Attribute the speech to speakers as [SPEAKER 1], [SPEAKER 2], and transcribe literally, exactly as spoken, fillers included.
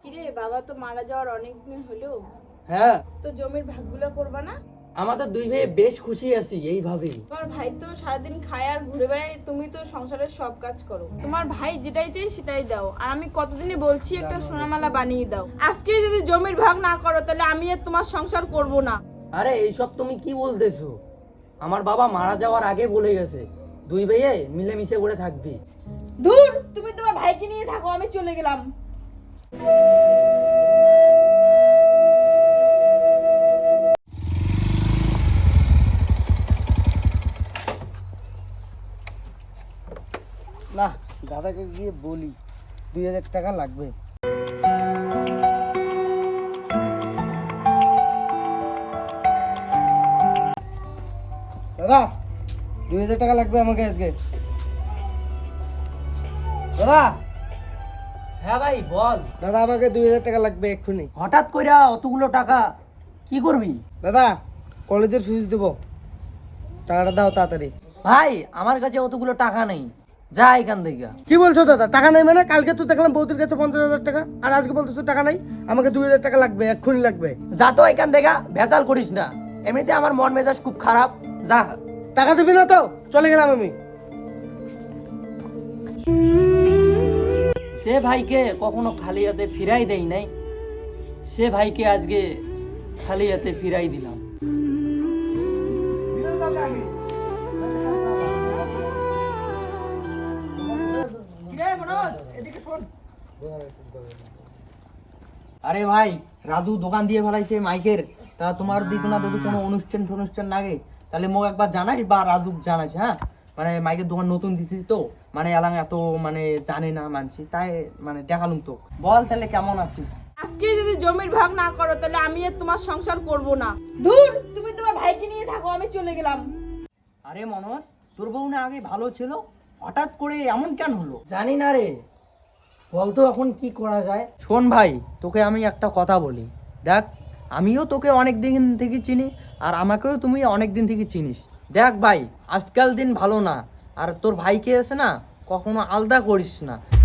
[SPEAKER 1] কিরে বাবা তো মারা যাওয়ার অনেক দিন হলো,
[SPEAKER 2] হ্যাঁ
[SPEAKER 1] তো জমির ভাগগুলো করবা না?
[SPEAKER 2] আমাদের দুই ভাই বেশ খুশি আছি এইভাবেই।
[SPEAKER 1] তোমার ভাই তো সারাদিন খায় আর ঘুরে বেড়ায়, তুমি তো সংসারের সব কাজ করো। তোমার ভাই যেটাই চাই সেটাই দাও, আর আমি কতদিনে বলছি একটা সোনামালা বানিয়ে দাও। আজকে যদি জমির ভাগ না করো তাহলে আমি আর তোমার সংসার করব না।
[SPEAKER 2] আরে এইসব তুমি কি বলতেছো? আমার বাবা মারা যাওয়ার আগে বলে গেছে দুই ভাইয়ে মিলেমিশে করে থাকবি।
[SPEAKER 1] ধুর, তুমি তোমার ভাইকে নিয়ে থাকো, আমি চলে গেলাম।
[SPEAKER 3] না, দাদাকে গিয়ে বলি দুই হাজার টাকা লাগবে। দাদা, দুই হাজার টাকা লাগবে আমাকে আজকে। দাদা
[SPEAKER 2] হ্যাঁ ভাই বল।
[SPEAKER 3] দাদা আমাকে দুই হাজার টাকা লাগবে এক্ষুনি।
[SPEAKER 2] হঠাৎ কইরা অতগুলো টাকা কি করবি?
[SPEAKER 3] দাদা কলেজের ফিস দেবো, টাকাটা দাও তাড়াতাড়ি।
[SPEAKER 2] ভাই আমার কাছে অতগুলো টাকা নেই, যা এখান থেকে।
[SPEAKER 3] কি বলছো দাদা, টাকা নেই মানে? কালকে তো দেখলাম বৌদির কাছে পঞ্চাশ হাজার টাকা, আর আজকে বলতেছো টাকা নাই। আমাকে দুই হাজার টাকা লাগবে, এক্ষুনি লাগবে।
[SPEAKER 2] যা তো এখান থেকে, ভেজাল করিস না। এমনিতে আমার মন মেজাজ খুব খারাপ, যা।
[SPEAKER 3] টাকা দিবি না তো? চলে গেলাম আমি।
[SPEAKER 2] সে ভাইকে কখনো খালি হাতে ফিরাই দেই নাই, সে ভাইকে আজকে খালি হাতে ফিরাই দিলাম। আরে ভাই, রাজু দোকান দিয়ে ফেলাইছে মাইকের। তা তোমার দিকে না যদি কোনো অনুষ্ঠান অনুষ্ঠান লাগে তাহলে মোক একবার জানাইস, বা রাজু জানাইস। হ্যাঁ, মানে মাইকের দোকান নতুন দিছিস তো, মানে এলাং এত মানে জানে না মানছি, তাই মানে দেখালুম তো। বল তাহলে কেমন আছিস?
[SPEAKER 1] আজকে যদি জমির ভাগ না করো তাহলে আমি আর তোমার সংসার করব না। ধুর, তুমি তোমার ভাইকে নিয়ে থাকো, আমি চলে গেলাম।
[SPEAKER 2] আরে মনোজ, তোর বউ না আগে ভালো ছিল, হঠাৎ করে এমন কেন হলো? জানি না রে, বলতো এখন কি করা যায়। শোন ভাই, তোকে আমি একটা কথা বলি, দেখ আমিও তোকে অনেক দিন থেকে চিনি, আর আমাকেও তুমি অনেক দিন থেকে চিনিস। দেখ ভাই, আজকাল দিন ভালো না, আর তোর ভাইকে আছে না কখনো আলাদা করিস না।